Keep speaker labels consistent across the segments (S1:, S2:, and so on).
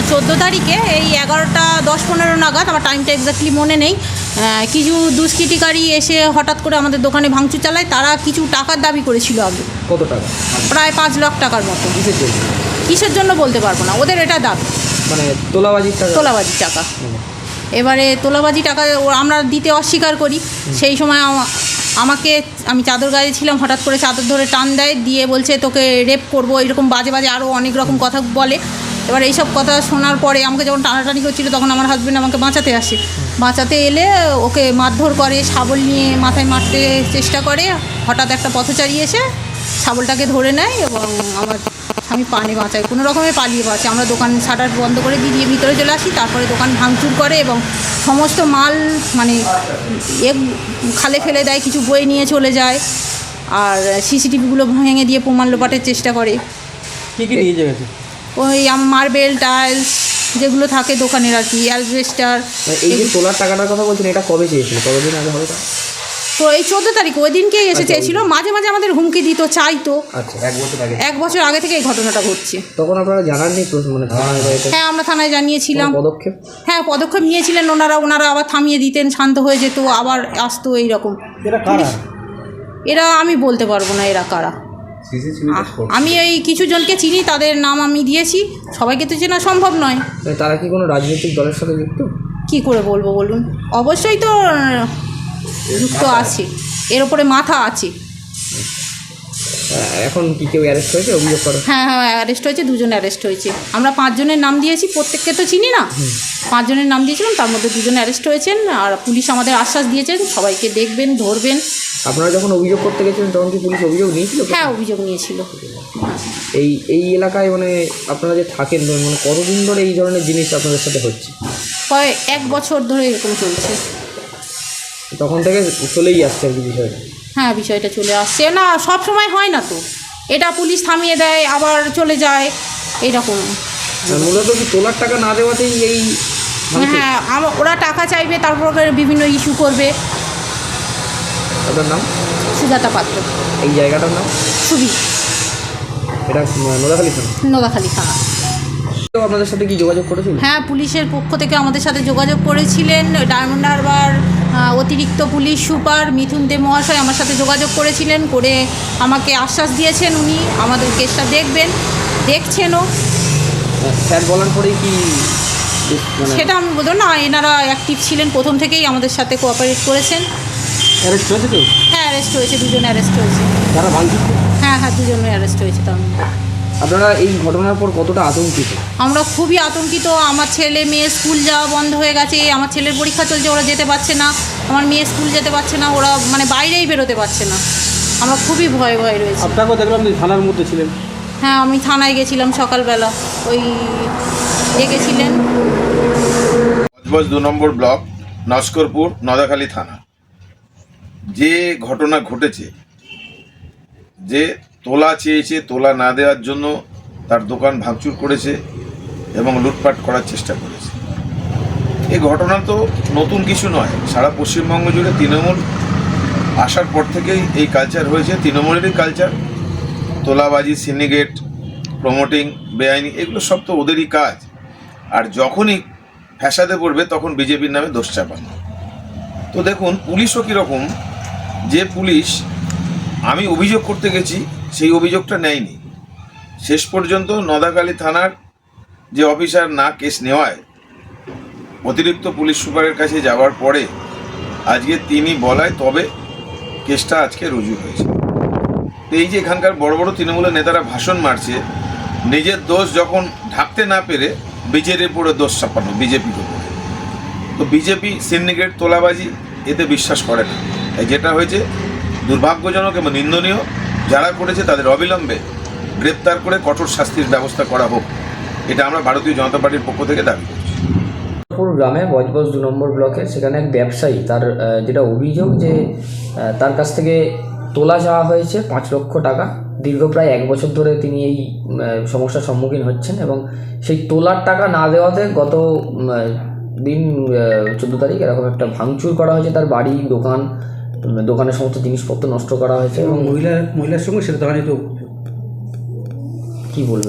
S1: 14 তারিখে এই 11:10-15 নাগাদ, আমার টাইমটা এক্স্যাক্টলি মনে নেই, কিছু দুষ্কৃতিকারী এসে হঠাৎ করে আমাদের দোকানে ভাঙচুর চালায়। তারা কিছু টাকার দাবি করেছিল আগে।
S2: কত টাকা?
S1: প্রায় 5 লাখ টাকার মতো। কিসের জন্য বলতে পারবো না, ওদের এটা দাবি।
S2: মানে তোলাবাজির
S1: টাকা। এবারে তোলাবাজি টাকা আমরা দিতে অস্বীকার করি। সেই সময় আমি চাদর গায়ে ছিলাম, হঠাৎ করে চাদর ধরে টান দেয়, দিয়ে বলছে তোকে রেপ করবো, এরকম বাজে বাজে আরও অনেক রকম কথা বলে। এবার এইসব কথা শোনার পরে আমাকে যখন টানাটানি করছিল, তখন আমার হাজব্যান্ড আমাকে বাঁচাতে আসে। বাঁচাতে এলে ওকে মারধর করে, শাবল নিয়ে মাথায় মারতে চেষ্টা করে। হঠাৎ একটা পথচারী এসে শাবলটাকে ধরে নেয় এবং আমার স্বামী পানে বাঁচায়, কোনো রকমে পালিয়ে বাঁচে। আমরা দোকান শাটার বন্ধ করে দিয়ে ভিতরে চলে আসি। তারপরে দোকান ভাঙচুর করে এবং সমস্ত মাল মানে খালে ফেলে দেয়, কিছু বই নিয়ে চলে যায়। আর সিসিটিভিগুলো ভেঙে দিয়ে প্রমাণ লোপাটের চেষ্টা করে।
S2: কী কী নিয়ে গেছে?
S1: ওই মার্বেল, টাইলস যেগুলো থাকে দোকানের আর কি, অ্যালবেস্টার।
S2: এই যে তোলার টাকাটার কথা বলছেন, এটা কবে চেয়েছিল? কতদিন আগে হবে?
S1: তো এই 14 তারিখ ওই দিনকেই এসে চেয়েছিল। মাঝে মাঝে আমাদের হুমকি দিত, চাইতো।
S2: আচ্ছা, 1 বছর আগে?
S1: 1 বছর আগে থেকে এই ঘটনাটা ঘটছে।
S2: তখন আপনারা জানাননি মানে থানায়?
S1: হ্যাঁ, আমরা থানায় জানিয়েছিলাম।
S2: পদক্ষেপ?
S1: হ্যাঁ, পদক্ষেপ নিয়েছিলেন ওনারা আবার থামিয়ে দিতেন, শান্ত হয়ে যেত, আবার আসতো এইরকম। এরা আমি বলতে পারবো না এরা কারা। আমি এই কিছু জনকে চিনি, তাদের নাম আমি দিয়েছি। সবাইকে তো চেনা সম্ভব নয়।
S2: তারা কি কোনো রাজনৈতিক দলের সাথে যুক্ত?
S1: কি করে বলবো বলুন? অবশ্যই তো যুক্ত আছে, এর ওপরে মাথা আছে।
S2: এখন কি কেউ অ্যারেস্ট হয়েছে অভিযোগ করে?
S1: হ্যাঁ, অ্যারেস্ট হয়েছে, 2 জন অ্যারেস্ট হয়েছে। আমরা 5 জনের নাম দিয়েছি, প্রত্যেককে তো চিনি না। 5 জনের নাম দিয়েছিলাম, তার মধ্যে 2 জন অ্যারেস্ট হয়েছেন। আর পুলিশ আমাদের আশ্বাস দিয়েছেন সবাইকে দেখবেন, ধরবেন।
S2: আপনারা যখন অভিযোগ করতে গেছিলেন তখন কি পুলিশ অভিযোগ নিয়েছিল?
S1: হ্যাঁ, অভিযোগ নিয়েছিল।
S2: এই এলাকায় মানে আপনারা যে থাকেন, মানে কতদিন ধরে এই ধরনের জিনিস আপনাদের সাথে হচ্ছে?
S1: প্রায় 1 বছর ধরে এরকম চলছে।
S2: তখন থেকে চলেই আসছে আর কি বিষয়টা? হ্যাঁ,
S1: বিষয়টা চলে আসছে। না, সব সময় হয় না তো, এটা পুলিশ থামিয়ে দেয় আবার চলে যায়, এইরকম।
S2: মূলত কি তোলার টাকা না দেওয়াতেই এই?
S1: হ্যাঁ, ওরা টাকা চাইবে, তারপর বিভিন্ন ইস্যু করবে।
S2: আপনার নাম?
S1: সুজাতা পাত্র।
S2: এই জায়গাটার নাম?
S1: সুবি।
S2: এটা নোদাখালী থানা?
S1: নোদাখালী থানা।
S2: আপনাদের সাথে কি যোগাযোগ করেছিল?
S1: হ্যাঁ, পুলিশের পক্ষ থেকে আমাদের সাথে যোগাযোগ করেছিলেন। ডায়মন্ড হারবার অতিরিক্ত পুলিশ সুপার মিথুন দে মহাশয় আমার সাথে যোগাযোগ করেছিলেন, করে আমাকে আশ্বাস দিয়েছেন উনি আমাদের কেসটা দেখছেনও।
S2: স্যার বলার পরেই কি?
S1: সেটা আমি বলবো না, এনারা অ্যাক্টিভ ছিলেন প্রথম থেকেই, আমাদের সাথে কোঅপারেট করেছেন।
S2: অ্যারেস্ট হয়েছে তো?
S1: হ্যাঁ, অ্যারেস্ট হয়েছে, 2 জন অ্যারেস্ট হয়েছে।
S2: তারা ভাঙচুর?
S1: হ্যাঁ, 2 জনই অ্যারেস্ট হয়েছে। তার
S2: আপনারা এই ঘটনার পর কতটা আতঙ্কিত?
S1: আমরা খুবই আতঙ্কিত। আমার ছেলে মেয়ে স্কুল যাওয়া বন্ধ হয়ে গেছে, আমার ছেলের পরীক্ষা চলছে, ওরা যেতে পারছে না। আমার মেয়ে স্কুল যেতে পারছে না, ওরা মানে বাইরেই বেরোতে পারছে না। আমরা খুবই ভয়ে রয়েছি।
S2: আপনাকেও দেখলাম যে থানার মধ্যে ছিলেন?
S1: হ্যাঁ, আমি থানায় গেছিলাম সকালবেলা, ওই ডেকেছিলেন।
S3: 2 নম্বর ব্লক, নস্করপুর, নোদাখালী থানা। যে ঘটনা ঘটেছে, যে তোলা চেয়েছে, তোলা না দেওয়ার জন্য তার দোকান ভাঙচুর করেছে এবং লুটপাট করার চেষ্টা করেছে, এই ঘটনা তো নতুন কিছু নয়। সারা পশ্চিমবঙ্গ জুড়ে তৃণমূল আসার পর থেকেই এই কালচার হয়েছে, তৃণমূলেরই কালচার। তোলাবাজি, সিন্ডিকেট, প্রমোটিং, বেআইনি, এগুলো সব তো ওদেরই কাজ। আর যখনই ফ্যাসাদে পড়বে তখন বিজেপির নামে দোষ চাপানো। তো দেখুন, পুলিশও কীরকম, যে পুলিশ আমি অভিযোগ করতে গেছি সেই অভিযোগটা নেয়নি। শেষ পর্যন্ত নোদাখালী থানার যে অফিসার না কেস নেওয়ায় অতিরিক্ত পুলিশ সুপারের কাছে যাওয়ার পরে আজকে তিনি বলায় তবে কেসটা আজকে রুজু হয়েছে। তো এই যে এখানকার বড় বড় তৃণমূলের নেতারা ভাষণ মারছে, নিজের দোষ যখন ঢাকতে না পেরে বিজেপির উপরে দোষ চাপানো, বিজেপির উপরে। তো বিজেপি সিন্ডিকেট, তোলাবাজি এতে বিশ্বাস করে না। তাই যেটা হয়েছে দুর্ভাগ্যজনক এবং নিন্দনীয়। যারা করেছে তাদের অবিলম্বে গ্রেপ্তার করে কঠোর শাস্তির ব্যবস্থা করা হোক, এটা আমরা ভারতীয় জনতা পার্টির পক্ষ থেকে দাবি করছি।
S2: গ্রামে বজবজ 2 নম্বর ব্লকে, সেখানে এক ব্যবসায়ী, তার যেটা অভিযোগ যে তার কাছ থেকে তোলা যাওয়া হয়েছে 5 লক্ষ টাকা। দীর্ঘ প্রায় 1 বছর ধরে তিনি এই সমস্যার সম্মুখীন হচ্ছেন এবং সেই তোলার টাকা না দেওয়াতে গত দিন 14 তারিখ এরকম একটা ভাঙচুর করা হয়েছে। তার বাড়ি, দোকানের সমস্ত জিনিসপত্র নষ্ট করা হয়েছে এবং মহিলার সঙ্গে সেটা দোকানে তো। কী বলবেন?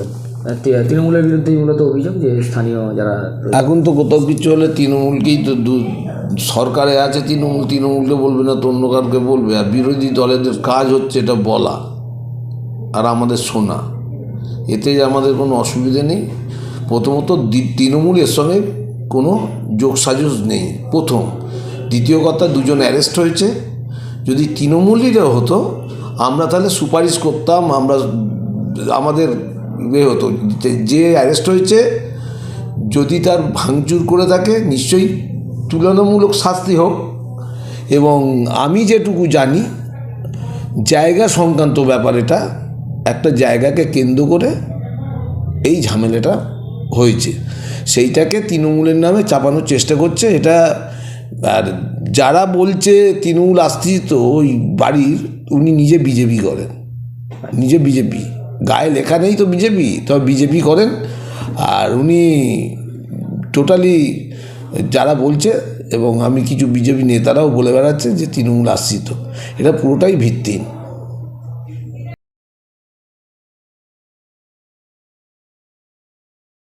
S2: তৃণমূলের বিরুদ্ধেই মূলত অভিযোগ যে স্থানীয় যারা
S4: এখন তো কোথাও কিছু হলে তৃণমূলকেই তো সরকারে আছে তৃণমূলকে বলবে না তো অন্য কাউকে বলবে। আর বিরোধী দলেদের কাজ হচ্ছে এটা বলা আর আমাদের শোনা, এতে আমাদের কোনো অসুবিধে নেই। প্রথমত তৃণমূল এর সঙ্গে কোনো যোগসাজশ নেই প্রথম। দ্বিতীয় কথা, দুজন অ্যারেস্ট হয়েছে। যদি তৃণমূলীরা হতো আমরা তাহলে সুপারিশ করতাম, আমাদের হতো যে অ্যারেস্ট হয়েছে যদি তার ভাঙচুর করে থাকে নিশ্চয়ই তুলনামূলক শাস্তি হোক। এবং আমি যেটুকু জানি জায়গা সংক্রান্ত ব্যাপার, এটা একটা জায়গাকে কেন্দ্র করে এই ঝামেলাটা হয়েছে, সেইটাকে তৃণমূলের নামে চাপানোর চেষ্টা করছে এটা। আর যারা বলছে তৃণমূল আশ্রিত ওই বাড়ির, উনি নিজে বিজেপি করেন, নিজে বিজেপি, গায়ে লেখা নেই তো বিজেপি, তবে বিজেপি করেন। আর উনি টোটালি যারা বলছে, এবং আমি কিছু বিজেপি নেতারাও বলে বেড়াচ্ছে যে তৃণমূল আশ্রিত, এটা পুরোটাই ভিত্তিহীন।